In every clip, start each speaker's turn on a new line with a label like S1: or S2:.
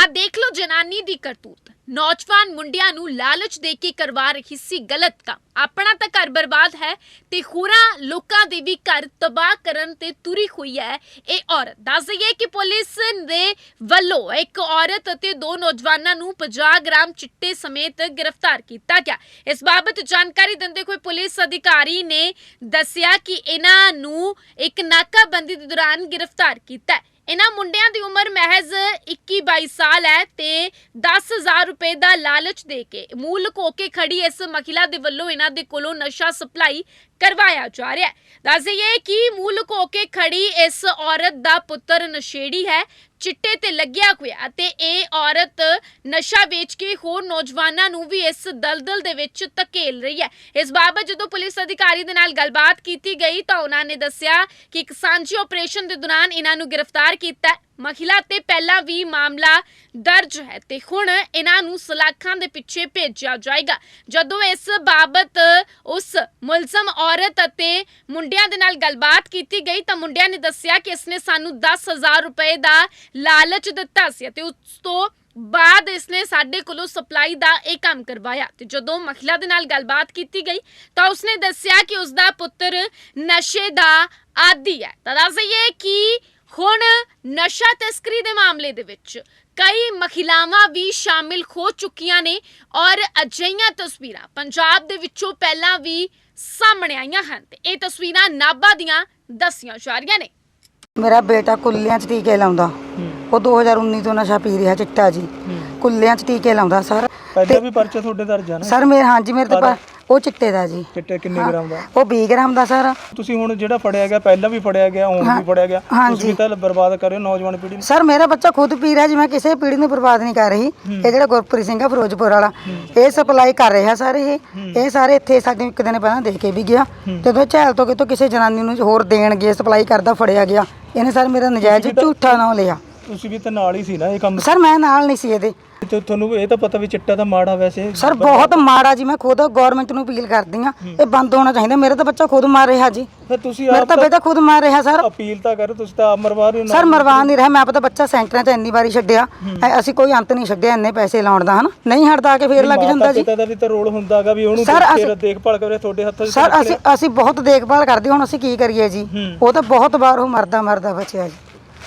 S1: ਆ ਦੇਖ ਲੋ ਜਨਾਨੀ ਦੀ ਕਰਤੂਤ। ਨੌਜਵਾਨ ਮੁੰਡਿਆਂ ਨੂੰ ਲਾਲਚ ਦੇ ਕੇ ਕਰਵਾ ਰਹੀ ਸੀ ਗਲਤ ਕੰਮ। ਆਪਣਾ ਤਾਂ ਘਰ ਬਰਬਾਦ ਹੈ ਤੇ ਹੋਰਾਂ ਲੋਕਾਂ ਦੇ ਵੀ ਘਰ ਤਬਾਹ ਕਰਨ ਤੇ ਤੁਰੀ ਹੋਈ ਹੈ ਇਹ ਔਰਤ। ਦੱਸ ਦਈਏ ਕਿ ਪੁਲਿਸ ਦੇ ਵੱਲੋਂ ਇੱਕ ਔਰਤ ਅਤੇ ਦੋ ਨੌਜਵਾਨਾਂ ਨੂੰ 50 ਗ੍ਰਾਮ ਚਿੱਟੇ ਸਮੇਤ ਗ੍ਰਿਫਤਾਰ ਕੀਤਾ ਗਿਆ। ਇਸ ਬਾਬਤ ਜਾਣਕਾਰੀ ਦਿੰਦੇ ਹੋਏ ਪੁਲਿਸ ਅਧਿਕਾਰੀ ਨੇ ਦੱਸਿਆ ਕਿ ਇਹਨਾਂ ਨੂੰ ਇੱਕ ਨਾਕਾਬੰਦੀ ਦੇ ਦੌਰਾਨ ਗ੍ਰਿਫਤਾਰ ਕੀਤਾ ਹੈ। इन्हां मुंडियां दी उम्र महज 21-22 साल है ते 10,000 रुपए का लालच दे के मूल लुको के खड़ी इस महिला दे वल्लों इन्हां दे कोलों नशा सप्लाई करवाया जा रहा है। दस दईए कि मूल लुको के खड़ी इस औरत दा पुत्र नशेड़ी है, चिट्टे ते लग्या होया ते इह औरत नशा बेच के होर नौजवानां नूं भी इस दलदल दे विच धकेल रही है। इस बाबत जदों पुलिस अधिकारी दे नाल गलबात कीती गई तां उन्हां ने दस्सिया कि एक सांझे ऑपरेशन दे दौरान इन्हां नूं गिरफ्तार कीता है। महिला ते पहला भी मामला दर्ज है ते हुण इन्हां नूं सलाखां दे पिछे भेजिया जाएगा। जदों इस बाबत उस मुलजम औरत अते मुंडियां दे नाल गलबात कीती गई तां मुंडियां ने दस्सिया कि इसने सानू 10,000 रुपए दा लालच दिता सी ते उस तो बाद इसने साडे कोलों सप्लाई दा एक काम करवाया ते जदों महिला दे नाल गलबात कीती गई तां उसने दस्सिया कि उसदा पुत्र नशे दा आदी है। तां दस दईए कि हुण नशा तस्करी दे मामले दे विच कई महिलावां भी शामिल हो चुकियां ने और अजिहियां तस्वीरां पंजाब दे विचों पहलां भी सामने आईयां हन ते इह तस्वीरां नाभा दियां दस्सियां जा रहीआं ने।
S2: मेरा बेटा कुल्लियां च टीके लाउंदा, वो 2019 तो नशा पी रहा चिट्टा जी, कुल्लियां च टीके लाउंदा सर।
S3: ਪਹਿਲਾਂ ਵੀ ਪਰਚਾ ਤੁਹਾਡੇ ਦਰਜ ਆ ਨਾ
S2: सर मेरे हाँ जी मेरे तो वो चिट्टे दा जी।
S3: ਚਿੱਟੇ ਕਿੰਨੇ ਗ੍ਰਾਮ ਦਾ?
S2: वो 20 ग्राम ਦਾ ਸਰ।
S3: ਤੁਸੀਂ ਹੁਣ ਜਿਹੜਾ ਫੜਿਆ ਗਿਆ ਪਹਿਲਾਂ ਵੀ ਫੜਿਆ ਗਿਆ ਹੁਣ ਵੀ ਫੜਿਆ ਗਿਆ ਤੁਸੀਂ ਤਾਂ ਬਰਬਾਦ ਕਰ ਰਹੇ ਹੋ ਨੌਜਵਾਨ ਪੀੜ੍ਹੀ ਨੂੰ।
S2: ਸਰ ਮੇਰਾ ਬੱਚਾ ਖੁਦ ਪੀ ਰਿਹਾ ਜੀ, ਮੈਂ ਕਿਸੇ ਪੀੜ੍ਹੀ ਨੂੰ ਬਰਬਾਦ ਨਹੀਂ ਕਰ ਰਹੀ। ਇਹ ਜਿਹੜਾ ਗੁਰਪ੍ਰੀਤ ਸਿੰਘ ਆ ਫਿਰੋਜ਼ਪੁਰ ਵਾਲਾ ਇਹ ਸਪਲਾਈ ਕਰ ਰਿਹਾ ਸਰ। ਇਹ ਸਾਰੇ ਇੱਥੇ ਸਾਡੇ ਇੱਕ ਦਿਨ ਪਹਿਲਾਂ ਦੇ ਕੇ ਵੀ ਗਿਆ ਜਦੋਂ ਝੈਲ ਤੋਂ ਕਿਤੋਂ ਕਿਸੇ ਜਨਾਨੀ ਨੂੰ ਹੋਰ ਦੇਣ ਗਏ ਸਪਲਾਈ ਕਰਦਾ ਫੜਿਆ ਗਿਆ। ਇਹਨੇ ਸਰ ਮੇਰਾ ਨਜਾਇਜ਼ ਝੂਠਾ ਨਾਮ ਲਿਆ।
S3: ਤੁਸੀਂ ਵੀ ਤਾਂ ਨਾਲ ਹੀ ਸੀ ਨਾ ਇਹ ਕੰਮ?
S2: ਸਰ ਮੈਂ ਨਾਲ ਨਹੀਂ ਸੀ ਇਹਦੇ।
S3: ਤੇ ਤੁਹਾਨੂੰ ਇਹ ਤਾਂ ਪਤਾ ਵੀ ਚਿੱਟਾ ਤਾਂ ਮਾੜਾ ਵੈਸੇ
S2: ਸਰ ਬਹੁਤ ਮਾੜਾ ਜੀ। ਮੈਂ ਖੁਦ ਗਵਰਨਮੈਂਟ ਨੂੰ ਅਪੀਲ ਕਰਦੀ ਆ ਇਹ ਬੰਦ ਹੋਣਾ ਚਾਹੀਦਾ। ਮੇਰਾ ਤਾਂ ਬੱਚਾ ਖੁਦ ਮਾਰ ਰਿਹਾ ਜੀ,
S3: ਫਿਰ ਤੁਸੀਂ
S2: ਮੇਰਾ ਤਾਂ ਬੇਟਾ ਖੁਦ ਮਾਰ ਰਿਹਾ ਸਰ।
S3: ਅਪੀਲ ਤਾਂ ਕਰੋ, ਤੁਸੀਂ ਤਾਂ ਮਰਵਾ ਰਹੇ ਹੋ
S2: ਸਰ ਮਰਵਾ ਨਹੀਂ ਰਿਹਾ। ਮੈਂ ਆਪਣਾ ਬੱਚਾ ਸੈਂਟਰਾਂ 'ਚ ਇੰਨੀ ਵਾਰੀ ਛੱਡਿਆ, ਅਸੀਂ ਕੋਈ ਅੰਤ ਨਹੀਂ ਛੱਡਿਆ ਇੰਨੇ ਪੈਸੇ ਲਾਉਣ ਦਾ, ਹਨਾ ਨਹੀਂ ਹਟਦਾ ਕੇ ਫੇਰ ਲੱਗ ਜਾਂਦਾ ਜੀ।
S3: ਪਿਤਾ ਦਾ ਵੀ ਤਾਂ ਰੋਲ ਹੁੰਦਾਗਾ ਵੀ ਉਹਨੂੰ ਦੇਖਭਾਲ ਕਰੇ ਤੁਹਾਡੇ ਹੱਥਾਂ 'ਚ।
S2: ਸਰ ਅਸੀਂ ਬਹੁਤ ਦੇਖਭਾਲ ਕਰਦੇ, ਹੁਣ ਅਸੀਂ ਕੀ ਕਰੀਏ ਜੀ। ਉਹ ਤਾਂ ਬਹੁਤ ਵਾਰ ਉਹ ਮਰਦਾ ਬਚਿਆ ਜੀ।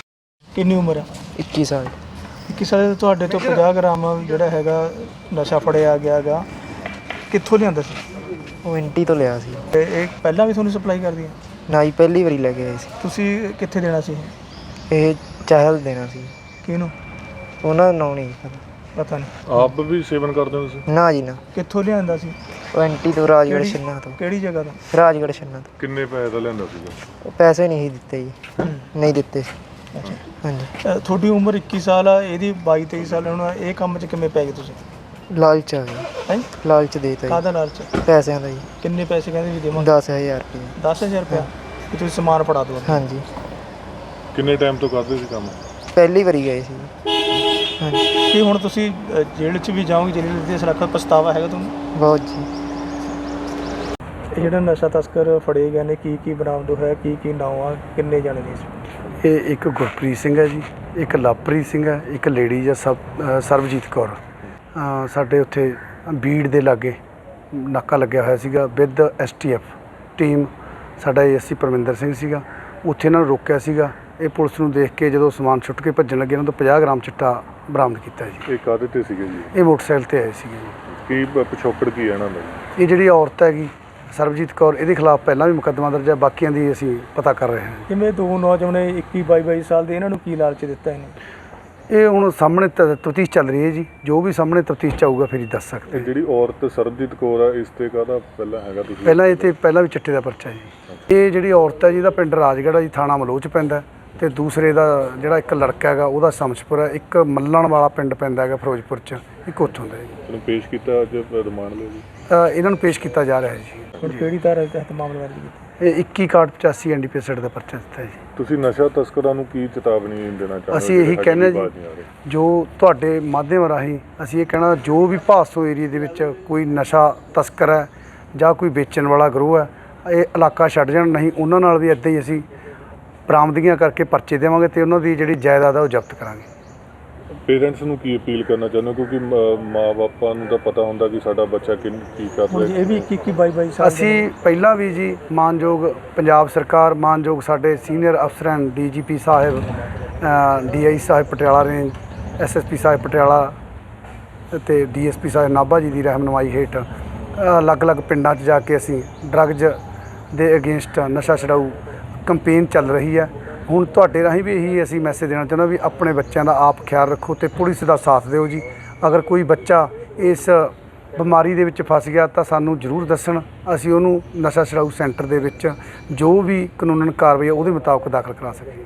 S3: ਕਿੰਨੀ ਉਮਰ ਹੈ?
S4: 21 ਸਾਲ।
S3: 21 ਸਾਲ ਦੇ ਤੁਹਾਡੇ ਤੋਂ 50 ਗ੍ਰਾਮ ਜਿਹੜਾ ਹੈਗਾ ਨਸ਼ਾ ਫੜਿਆ ਗਿਆ ਗਾ, ਕਿੱਥੋਂ ਲਿਆਂਦਾ ਸੀ?
S4: ਉਹ ਐਂਟੀ ਤੋਂ ਲਿਆ ਸੀ।
S3: ਇਹ ਪਹਿਲਾਂ ਵੀ ਤੁਹਾਨੂੰ ਸਪਲਾਈ ਕਰਦੀ ਹੈ?
S4: ਨਾ ਹੀ ਪਹਿਲੀ ਵਾਰੀ ਲੈ ਕੇ ਆਏ ਸੀ।
S3: ਤੁਸੀਂ ਕਿੱਥੇ ਦੇਣਾ ਸੀ
S4: ਇਹ ਚਾਹਲ ਦੇਣਾ ਸੀ।
S3: ਕਿਹਨੂੰ?
S4: ਉਹਨਾਂ ਦਾ ਨਾਂ ਨਹੀਂ
S3: ਪਤਾ ਨਹੀਂ।
S5: ਆਪ ਵੀ ਸੇਵਨ ਕਰਦੇ ਹੋ ਤੁਸੀਂ?
S4: ਨਾ ਜੀ ਨਾ।
S3: ਕਿੱਥੋਂ ਲਿਆਂਦਾ ਸੀ?
S4: ਉਹ ਐਂਟੀ ਤੋਂ ਰਾਜਗੜ੍ਹ ਛੰਨਾ ਤੋਂ।
S3: ਕਿਹੜੀ ਜਗ੍ਹਾ ਤੋਂ?
S4: ਰਾਜਗੜ੍ਹ ਛੰਨਾ ਤੋਂ।
S5: ਕਿੰਨੇ ਪੈਸੇ ਦਾ ਲੈਂਦਾ ਸੀਗਾ?
S4: ਉਹ ਪੈਸੇ ਨਹੀਂ ਦਿੱਤੇ ਜੀ, ਨਹੀਂ ਦਿੱਤੇ। ਹਾਂਜੀ।
S3: ਤੁਹਾਡੀ ਉਮਰ 21 ਸਾਲ ਆ, ਇਹਦੀ 22-23 ਸਾਲ। ਹੁਣ ਇਹ ਕੰਮ 'ਚ ਕਿਵੇਂ ਪੈ ਗਏ ਤੁਸੀਂ?
S4: ਲਾਲਚ ਆ ਗਿਆ।
S3: ਹੈ
S4: ਲਾਲਚ ਦੇਤਾ
S3: ਕਾਹਦਾ ਲਾਲਚ?
S4: ਜੀ, ਪੈਸਿਆਂ ਦਾ ਜੀ।
S3: ਕਿੰਨੇ ਪੈਸੇ ਕਹਿੰਦੇ ਵੀ ਦੇਵਾਂ?
S4: 10,000 ਰੁਪਏ।
S3: 10,000 ਰੁਪਇਆ ਕਿ ਤੁਸੀਂ ਸਮਾਨ ਫੜਾ ਦਿਓ?
S4: ਹਾਂਜੀ।
S5: ਕਿੰਨੇ ਟਾਈਮ ਤੋਂ ਕਰਦੇ ਸੀ ਕੰਮ?
S4: ਪਹਿਲੀ ਵਾਰੀ ਗਏ ਸੀ। ਹਾਂਜੀ।
S3: ਕੀ ਹੁਣ ਤੁਸੀਂ ਜੇਲ੍ਹ 'ਚ ਵੀ ਜਾਓਗੇ? ਜੇਲ੍ਹ ਦੇ ਸੁਰੱਖਿਆ ਪਛਤਾਵਾ ਹੈਗਾ ਤੁਹਾਨੂੰ?
S4: ਬਹੁਤ ਜੀ।
S3: ਇਹ ਜਿਹੜਾ ਨਸ਼ਾ ਤਸਕਰ ਫੜੇ ਗਏ ਨੇ ਕੀ ਬਰਾਮਦ ਹੋਇਆ, ਕੀ ਨਾਮ ਆ, ਕਿੰਨੇ ਜਾਣੇ ਨੇ ਇਸ?
S6: ਇਹ ਇੱਕ ਗੁਰਪ੍ਰੀਤ ਸਿੰਘ ਹੈ ਜੀ, ਇੱਕ ਲਵਪ੍ਰੀਤ ਸਿੰਘ ਹੈ, ਇੱਕ ਲੇਡੀ ਹੈ ਸਰਬਜੀਤ ਕੌਰ। ਸਾਡੇ ਉੱਥੇ ਬੀੜ ਦੇ ਲਾਗੇ ਨਾਕਾ ਲੱਗਿਆ ਹੋਇਆ ਸੀਗਾ ਵਿਦ STF ਟੀਮ। ਸਾਡਾ ASC ਪਰਮਿੰਦਰ ਸਿੰਘ ਸੀਗਾ, ਉੱਥੇ ਇਹਨਾਂ ਨੂੰ ਰੋਕਿਆ ਸੀਗਾ। ਇਹ ਪੁਲਿਸ ਨੂੰ ਦੇਖ ਕੇ ਜਦੋਂ ਸਮਾਨ ਛੁੱਟ ਕੇ ਭੱਜਣ ਲੱਗੇ ਇਹਨਾਂ ਤੋਂ 50 ਗ੍ਰਾਮ ਚਿੱਟਾ ਬਰਾਮਦ ਕੀਤਾ ਜੀ।
S5: ਇਹ ਕਾਹਦੇ ਤੇ ਸੀਗੇ ਜੀ?
S6: ਇਹ ਮੋਟਰਸਾਈਕਲ ਤੇ ਆਏ ਸੀਗੇ ਜੀ।
S5: ਕੀ ਪਿਛੋਕੜ ਕੀ ਹੈ ਇਹਨਾਂ ਦਾ?
S6: ਇਹ ਜਿਹੜੀ ਔਰਤ ਹੈਗੀ ਸਰਬਜੀਤ ਕੌਰ, ਇਹਦੇ ਖਿਲਾਫ ਪਹਿਲਾਂ ਵੀ ਮੁਕੱਦਮਾ ਦਰਜ ਹੈ, ਬਾਕੀਆਂ ਦੀ ਅਸੀਂ ਪਤਾ ਕਰ ਰਹੇ ਹਾਂ।
S3: ਜਿਵੇਂ ਦੋ ਨੌਜਵਾਨ 21-22 ਸਾਲ ਦੇ, ਇਹਨਾਂ ਨੂੰ ਕੀ ਲਾਲਚ ਦਿੱਤਾ ਇਹਨੇ?
S6: ਇਹ ਹੁਣ ਸਾਹਮਣੇ ਤਫਤੀਸ਼ ਚੱਲ ਰਹੀ ਹੈ ਜੀ, ਜੋ ਵੀ ਸਾਹਮਣੇ ਤਫਤੀਸ਼ 'ਚ ਆਊਗਾ ਫਿਰ ਹੀ ਦੱਸ ਸਕਦੇ।
S5: ਜਿਹੜੀ ਔਰਤ ਸਰਬਜੀਤ ਕੌਰ ਆ, ਇਸ ਤੇ ਕਾਹਦਾ ਪਹਿਲਾਂ ਹੈਗਾ? ਤੁਸੀਂ
S6: ਪਹਿਲਾਂ ਇਹ 'ਤੇ ਪਹਿਲਾਂ ਵੀ ਚਿੱਟੇ ਦਾ ਪਰਚਾ ਜੀ। ਇਹ ਜਿਹੜੀ ਔਰਤ ਹੈ ਜੀ ਇਹਦਾ ਪਿੰਡ ਰਾਜਗੜ੍ਹ ਜੀ, ਥਾਣਾ ਮਲੋਹ 'ਚ ਪੈਂਦਾ, ਤੇ ਦੂਸਰੇ ਦਾ ਜਿਹੜਾ ਇੱਕ ਲੜਕਾ ਹੈਗਾ ਉਹਦਾ ਸਮਝਪੁਰ ਹੈ, ਇੱਕ ਮੱਲਣ ਵਾਲਾ ਪਿੰਡ ਪੈਂਦਾ ਹੈਗਾ ਫਿਰੋਜ਼ਪੁਰ 'ਚ, ਇੱਕ ਉੱਥੋਂ ਦਾ ਜੀ।
S5: ਇਹਨੂੰ ਪੇਸ਼ ਕੀਤਾ ਅੱਜ ਰਿਮਾਂਡ ਲਈ ਜੀ?
S6: ਇਹਨਾਂ ਨੂੰ ਪੇਸ਼ ਕੀਤਾ ਜਾ ਰਿਹਾ ਹੈ ਜੀ।
S3: ਹੁਣ ਕਿਹੜੀ ਧਾਰਾ ਤਹਿਤ ਮਾਮਲਾ ਦਰਜ ਕੀਤਾ?
S6: ਇਹ 21/85 NDPS ਦਾ ਪਰਚਾ ਦਿੱਤਾ ਜੀ।
S5: ਤੁਸੀਂ ਨਸ਼ਾ ਤਸਕਰਾਂ ਨੂੰ ਕੀ ਚੇਤਾਵਨੀ ਦੇਣਾ ਚਾਹੁੰਦੇ?
S6: ਅਸੀਂ ਇਹੀ ਕਹਿੰਦੇ ਜੀ, ਜੋ ਤੁਹਾਡੇ ਮਾਧਿਅਮ ਰਾਹੀਂ ਅਸੀਂ ਇਹ ਕਹਿਣਾ, ਜੋ ਵੀ ਭਾਸੋ ਏਰੀਏ ਦੇ ਵਿੱਚ ਕੋਈ ਨਸ਼ਾ ਤਸਕਰ ਹੈ ਜਾਂ ਕੋਈ ਵੇਚਣ ਵਾਲਾ ਗਰੋਹ ਹੈ, ਇਹ ਇਲਾਕਾ ਛੱਡ ਜਾਣ। ਨਹੀਂ ਉਹਨਾਂ ਨਾਲ ਵੀ ਇੱਦਾਂ ਹੀ ਅਸੀਂ ਬਰਾਮਦਗੀਆਂ ਕਰਕੇ ਪਰਚੇ ਦੇਵਾਂਗੇ ਤੇ ਉਹਨਾਂ ਦੀ ਜਿਹੜੀ ਜਾਇਦਾਦ ਹੈ ਉਹ ਜ਼ਬਤ ਕਰਾਂਗੇ।
S5: ਪੇਰੈਂਟਸ ਨੂੰ ਕੀ ਅਪੀਲ ਕਰਨਾ ਚਾਹੁੰਦੇ ਹੋ? ਕਿਉਂਕਿ ਮਾਂ-ਬਾਪਾਂ ਨੂੰ ਤਾਂ ਪਤਾ ਹੁੰਦਾ ਕਿ ਸਾਡਾ ਬੱਚਾ ਕੀ ਕਰ
S3: ਹੁਣ ਜੀ
S5: ਰਿਹਾ।
S3: ਇਹ ਵੀ 21-22 ਸਾਲ ਦੇ
S6: ਅਸੀਂ ਪਹਿਲਾਂ ਵੀ ਜੀ ਮਾਨਯੋਗ ਪੰਜਾਬ ਸਰਕਾਰ, ਮਾਨਯੋਗ ਸਾਡੇ ਸੀਨੀਅਰ ਅਫਸਰਾਂ, ਡੀਜੀਪੀ ਸਾਹਿਬ, ਡੀਆਈ ਸਾਹਿਬ ਪਟਿਆਲਾ ਰੇਂਜ, ਐਸਐਸਪੀ ਸਾਹਿਬ ਪਟਿਆਲਾ ਅਤੇ ਡੀਐਸਪੀ ਸਾਹਿਬ ਨਾਭਾ ਜੀ ਦੀ ਰਹਿਨੁਮਾਈ ਹੇਠ ਅਲੱਗ-ਅਲੱਗ ਪਿੰਡਾਂ 'ਚ ਜਾ ਕੇ ਅਸੀਂ ਡਰੱਗਜ਼ ਦੇ ਅਗੇਂਸਟ ਨਸ਼ਾ ਛਡਾਊ ਕੰਪੇਨ ਚੱਲ ਰਹੀ ਹੈ। ਹੁਣ ਤੁਹਾਡੇ ਰਾਹੀਂ ਵੀ ਇਹੀ ਅਸੀਂ ਮੈਸੇਜ ਦੇਣਾ ਚਾਹੁੰਦਾ ਵੀ ਆਪਣੇ ਬੱਚਿਆਂ ਦਾ ਆਪ ਖਿਆਲ ਰੱਖੋ ਤੇ ਪੁਲਿਸ ਦਾ ਸਾਥ ਦਿਓ ਜੀ। ਅਗਰ ਕੋਈ ਬੱਚਾ ਇਸ ਬਿਮਾਰੀ ਦੇ ਵਿੱਚ ਫਸ ਗਿਆ ਤਾਂ ਸਾਨੂੰ ਜ਼ਰੂਰ ਦੱਸਣ, ਅਸੀਂ ਉਹਨੂੰ ਨਸ਼ਾ ਛਡਾਊ ਸੈਂਟਰ ਦੇ ਵਿੱਚ ਜੋ ਵੀ ਕਾਨੂੰਨਨ ਕਾਰਵਾਈ ਹੈ ਉਹਦੇ ਮੁਤਾਬਕ ਦਾਖਲ ਕਰਾ ਸਕੀਏ।